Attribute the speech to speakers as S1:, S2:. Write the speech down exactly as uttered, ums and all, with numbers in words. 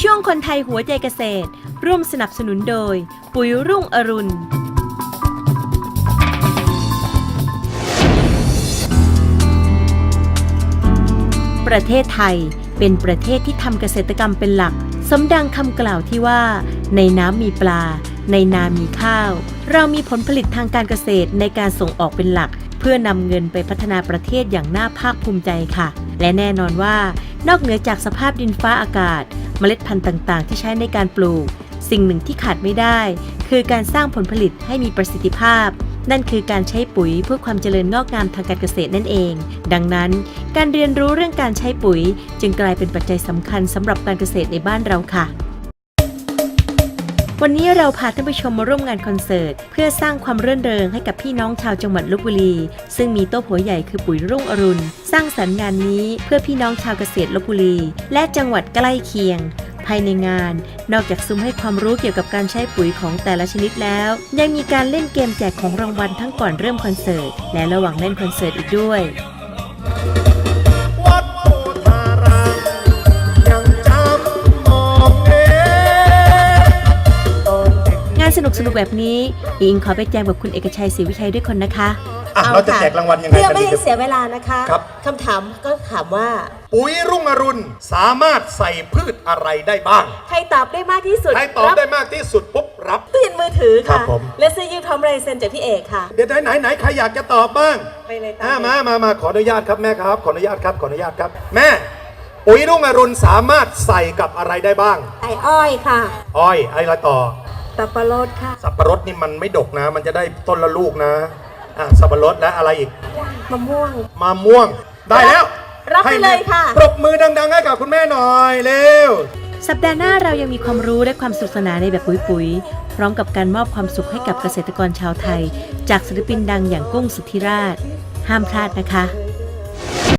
S1: ช่วงคนไทยหัวใจเกษตรร่วมสนับสนุนโดยปุ๋ยรุ่งอรุณประเทศไทยเป็นประเทศที่ทำเกษตรกรรมเป็นหลักสมดังคำกล่าวที่ว่าในน้ำมีปลาในนามีข้าวเรามีผลผลิตทางการเกษตรในการส่งออกเป็นหลักเพื่อนำเงินไปพัฒนาประเทศอย่างน่าภาคภูมิใจค่ะและแน่นอนว่านอกเหนือจากสภาพดินฟ้าอากาศเมล็ดพันธุ์ต่างๆที่ใช้ในการปลูกสิ่งหนึ่งที่ขาดไม่ได้คือการสร้างผลผลิตให้มีประสิทธิภาพนั่นคือการใช้ปุ๋ยเพื่อความเจริญงอกงามทางการเกษตรนั่นเองดังนั้นการเรียนรู้เรื่องการใช้ปุ๋ยจึงกลายเป็นปัจจัยสำคัญสำหรับการเกษตรในบ้านเราค่ะวันนี้เราพาท่านผู้ชมมาร่วมงานคอนเสิร์ตเพื่อสร้างความรื่นเริงให้กับพี่น้องชาวจังหวัดลพบุรีซึ่งมีโต๊ะหัวใหญ่คือปุ๋ยรุ่งอรุณสร้างสรรค์งานนี้เพื่อพี่น้องชาวเกษตรลพบุรีและจังหวัดใกล้เคียงภายในงานนอกจากซุ้มให้ความรู้เกี่ยวกับการใช้ปุ๋ยของแต่ละชนิดแล้วยังมีการเล่นเกมแจกของรางวัลทั้งก่อนเริ่มคอนเสิร์ตและระหว่างเล่นคอนเสิร์ตอีกด้วยงานสนุกสนุกแบบนี้อิงขอไปแจมกับคุณเอกชัยศรีวิชัยด้วยคนนะคะ
S2: อ่ะเราจะแจกรางวัลยังไง
S3: เพื่อไม่ให้เสียเวลานะคะ
S2: ครับ
S3: คำถามก็ถามว่า
S2: ปุ๋ยรุ่งอรุณสามารถใส่พืชอะไรได้บ้าง
S3: ใครตอบได้มากที่สุด
S2: ใครตอบได้มากที่สุดปุ๊บรับ
S3: ตู้เย็นมือถือค่ะ
S2: ครับผม
S3: และเสื้อยืดพร้อมลายเซ็นจากพี่เอกค่ะ
S2: เดี๋ยวไหนไหนใครอยากจะตอบบ้าง
S3: ไปเลยต
S2: ามมามามาขออนุญาตครับแม่ครับขออนุญาตครับขออนุญาตครับแม่ปุ๋ยรุ่งอรุณสามารถใส่กับอะไรได้บ้าง
S3: ไอ้อ้อยค่ะ
S2: อ้อยอะไรต่อ
S3: สับปะรดค่ะ
S2: สับปะรดนี่มันไม่ดกนะมันจะได้ต้นละลูกนะอ่ะสับปะรดและอะไรอีก
S3: มะม่วง
S2: มะม่วงได้แล้ว
S3: รับไปเลยค่ะ
S2: ปรบมือดังๆให้กับคุณแม่หน่อยเร็ว
S1: สัปดาห์หน้าเรายังมีความรู้และความสนุกสนานในแบบปุ๋ยๆพร้อมกับการมอบความสุขให้กับเกษตรกรชาวไทยจากศิลปินดังอย่างกุ้งสุทธิราชห้ามพลาดนะคะ